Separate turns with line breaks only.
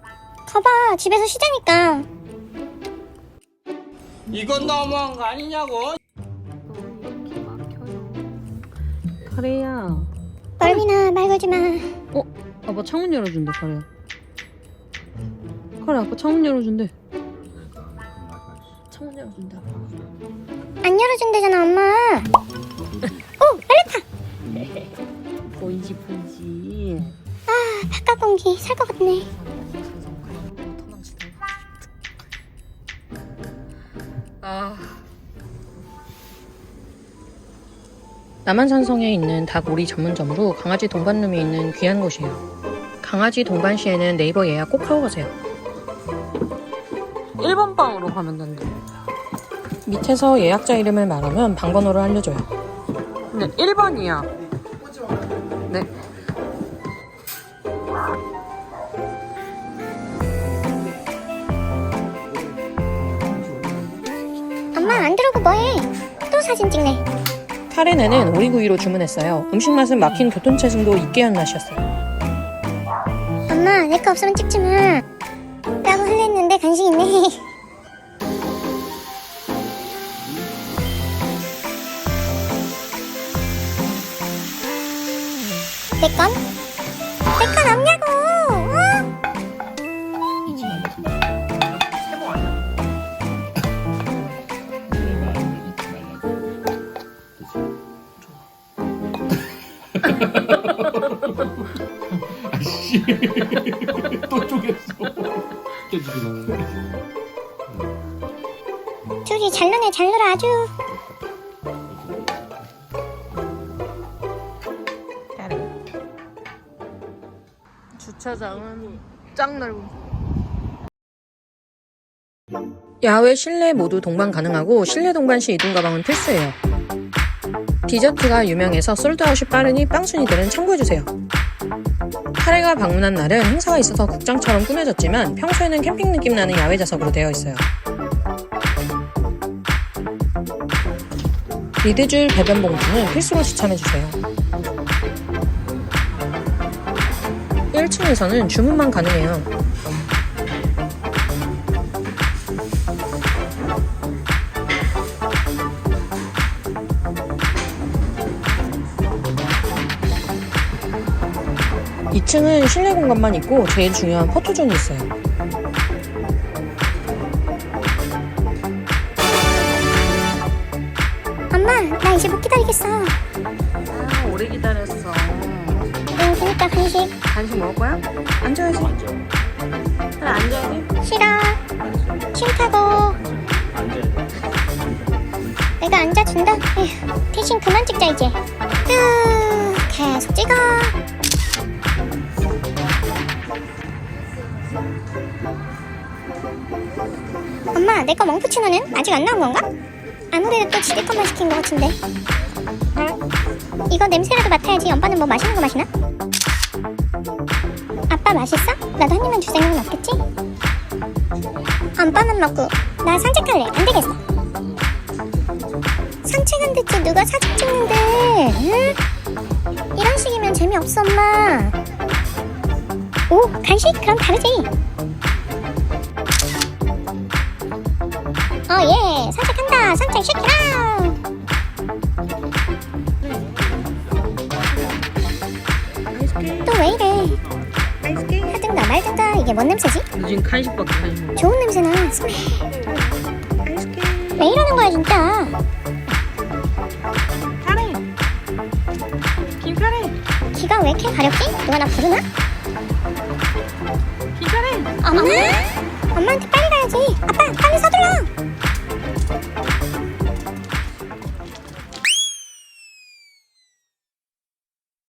가봐, 집에서 쉬자니까.
이건 너무한 거 아니냐고.
이렇게 막혀요. 카레야.
멀미나 말 걸지 마.
아빠 창문 열어준대, 카레야. 카레, 아빠 창문 열어준대. 창문 열어준대, 아빠.
안 열어준대잖아, 엄마. 오, 열렸다.
보이지, 보이지.
바깥 공기 살 것 같네.
남한산성에 있는 닭오리 전문점으로 강아지 동반룸이 있는 귀한 곳이에요. 강아지 동반 시에는 네이버 예약 꼭 하고 가세요. 1번 방으로 가면 된다. 밑에서 예약자 이름을 말하면 방번호를 알려줘요. 네, 1번이야. 네.
엄마 안 들어오고 뭐해? 또 사진 찍네.
카레네는 오리구이로 주문했어요. 음식 맛은 막힌 교통체증도 있게 한 맛이었어요.
엄마, 내 거 없으면 찍지 마. 라고 흘렸는데 간식 있네. 내 건? 내 건 없냐고!
아씨 또 쪼갰어. 깨지고 나는.
둘이 잘 노네, 잘 놀아 아주.
주차장은 짱 넓은. 야외 실내 모두 동반 가능하고 실내 동반 시 이동 가방은 필수예요. 디저트가 유명해서 솔드아웃이 빠르니 빵순이들은 참고해주세요. 카레가 방문한 날은 행사가 있어서 극장처럼 꾸며졌지만 평소에는 캠핑 느낌 나는 야외 좌석으로 되어 있어요. 리드줄 배변 봉투는 필수로 지참해주세요. 1층에서는 주문만 가능해요. 이 2층은 실내 공간만 있고 제일 중요한 포토존이 있어요.
엄마, 나 이제 못 기다리겠어.
오래 기다렸어.
그니까 간식.
간식 먹을 거야? 앉아야지. 그래, 앉아야지.
싫어. 싫다고. 내가 앉아준다. 에휴, 대신 그만 찍자 이제. 계속 찍어. 엄마, 내 거 멍푸치노는 아직 안 나온 건가? 아무래도 또 지들 것만 시킨 것 같은데. 이거 냄새라도 맡아야지. 엄마는 뭐 맛있는 거 마시나? 아빠 맛있어? 나도 한 입만 줄 생각은 없겠지? 엄빠만 먹고 나 산책할래. 안 되겠어. 산책은 됐지 누가 사진 찍는데. 응? 이런 식이면 재미없어 엄마. 오, 간식? 그럼 다르지. 예, 산책한다. 산책 쉐키라. 또 왜 이래? 하든가 말든가. 이게 뭔 냄새지?
요즘 간식밖에 안 먹어.
좋은 냄새나. 스멜. 왜 이러는 거야 진짜?
카레! 김카레!
귀가 왜 이렇게 가렵지? 누가 나 부르나?
김카레!
엄마? 엄마한테 빨리 가야지. 아빠 빨리 서둘러.